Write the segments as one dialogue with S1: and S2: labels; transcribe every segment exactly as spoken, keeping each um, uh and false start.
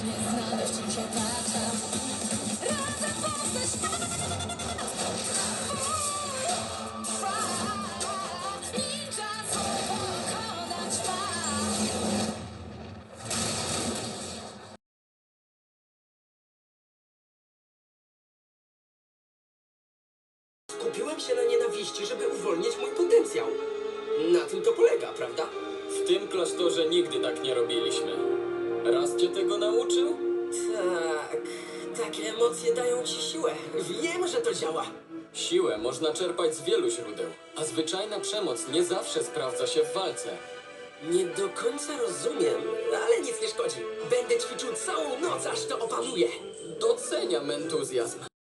S1: Musimy znaleźć się tak sam. Razem poznać ninja znów pokonać was.
S2: Skupiłem się na nienawiści, żeby uwolnić mój potencjał. Na tym to polega, prawda?
S3: W tym klasztorze nigdy tak nie robiliśmy. Raz cię tego nauczył?
S2: Tak, takie emocje dają ci siłę. Wiem, że to działa.
S3: Siłę można czerpać z wielu źródeł, a zwyczajna przemoc nie zawsze sprawdza się w walce.
S2: Nie do końca rozumiem, ale nic nie szkodzi. Będę ćwiczył całą noc, aż to opanuję.
S3: Doceniam entuzjazm.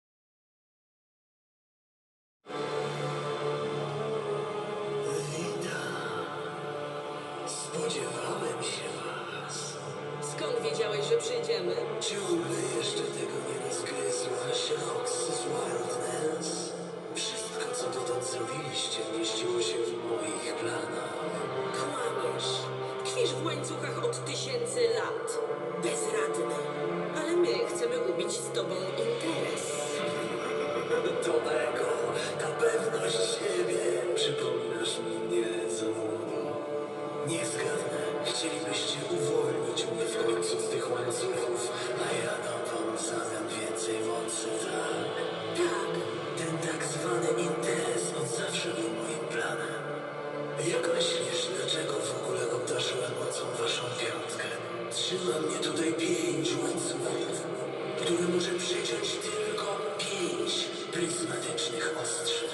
S4: Spodziewałem się was.
S2: Skąd wiedziałeś, że przyjdziemy?
S4: Ciągle jeszcze tego nie rozgryzłaś, Roxy z Wildlands. Wszystko, co dotąd zrobiliście, mieściło się w moich planach.
S2: Kłamiesz. Tkwisz w łańcuchach od tysięcy lat. Bezradny. Ale my chcemy ubić z tobą interes.
S4: Do tego, ta pewność siebie. Przypominasz mi mnie co młodo. Nie zgadnę. Chcielibyście uwolnić mnie w końcu z tych łańcuchów, a ja dam w zamian więcej mocy, tak?
S2: Tak.
S4: Ten tak zwany interes od zawsze był moim planem. Jak myślisz, dlaczego w ogóle obdarzyłem mocą waszą piątkę? Trzyma mnie tutaj pięć łańcuchów, które może przeciąć tylko pięć pryzmatycznych ostrzy.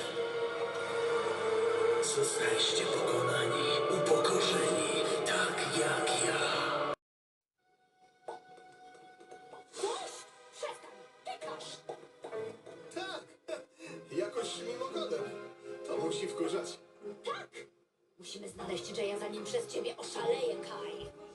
S4: Zostaliście pokonani, upokorzeni, tak jak ja.
S1: Przestań, tykasz!
S5: Tak, jakoś mimochodem. To musi wkurzać.
S1: Tak! Musimy znaleźć Jaya, zanim przez ciebie oszaleje, Kai.